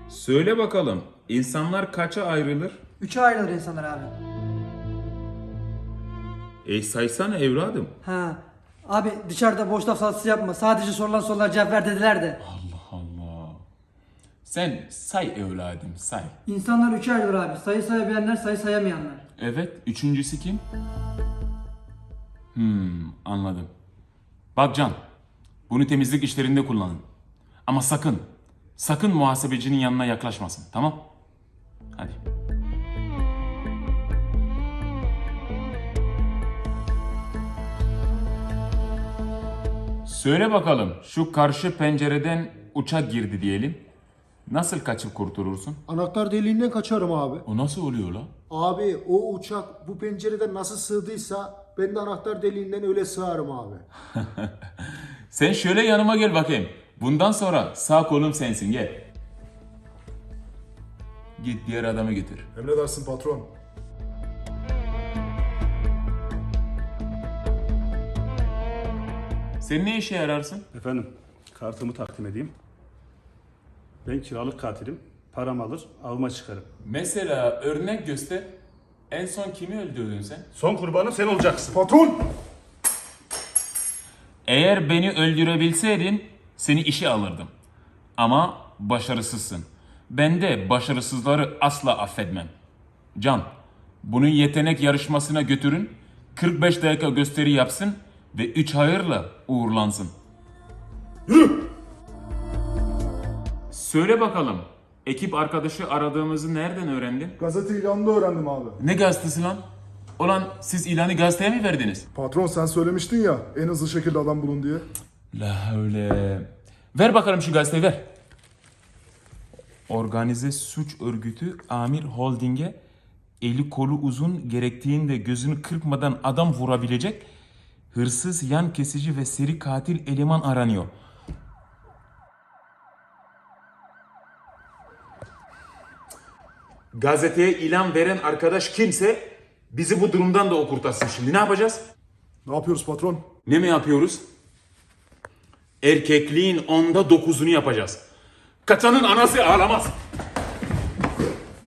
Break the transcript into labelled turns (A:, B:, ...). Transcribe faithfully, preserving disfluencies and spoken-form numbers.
A: Söyle bakalım, insanlar kaça ayrılır?
B: Üçe ayrılır insanlar abi.
A: E saysana evladım.
B: Ha. Abi dışarıda boş laf salatası yapma. Sadece sorulan sorulara cevap ver dediler de.
C: Allah Allah. Sen say evladım say.
B: İnsanlar üçe ayrılır abi. Sayı sayabilenler, sayı sayamayanlar.
C: Evet, üçüncüsü kim? Hmm, anladım. Bak Can, bunu temizlik işlerinde kullanın. Ama sakın, sakın muhasebecinin yanına yaklaşmasın, tamam? Hadi. Söyle bakalım, şu karşı pencereden uçak girdi diyelim. Nasıl kaçıp kurtulursun?
D: Anahtar deliğinden kaçarım abi.
C: O nasıl oluyor la?
D: Abi o uçak bu pencereden nasıl sığdıysa ben de anahtar deliğinden öyle sığarım abi.
C: Sen şöyle yanıma gel bakayım. Bundan sonra sağ kolum sensin, gel. Git diğer adamı getir.
E: Emredersin patron.
C: Sen ne işe yararsın?
F: Efendim, kartımı takdim edeyim. Ben kiralık katilim. Param alır, avıma çıkarım.
C: Mesela örnek göster. En son kimi öldürdün sen?
F: Son kurbanı sen olacaksın.
E: Patron!
C: Eğer beni öldürebilseydin seni işe alırdım. Ama başarısızsın. Ben de başarısızları asla affetmem. Can, bunu yetenek yarışmasına götürün. kırk beş dakika gösteri yapsın ve üç hayırla uğurlansın.
E: Yürü!
A: Söyle bakalım, ekip arkadaşı aradığımızı nereden öğrendin?
E: Gazete ilanında öğrendim abi.
C: Ne gazetesi lan? Ulan siz ilanı gazeteye mi verdiniz?
E: Patron sen söylemiştin ya en hızlı şekilde adam bulun diye.
C: La öyle. Ver bakalım şu gazeteyi ver. Organize suç örgütü Amir Holding'e eli kolu uzun gerektiğinde gözünü kırpmadan adam vurabilecek hırsız, yan kesici ve seri katil eleman aranıyor.
A: Gazeteye ilan veren arkadaş kimse bizi bu durumdan da o kurtarsın şimdi. Ne yapacağız?
E: Ne yapıyoruz patron?
A: Ne mi yapıyoruz? Erkekliğin onda dokuzunu yapacağız. Kaçanın anası ağlamaz.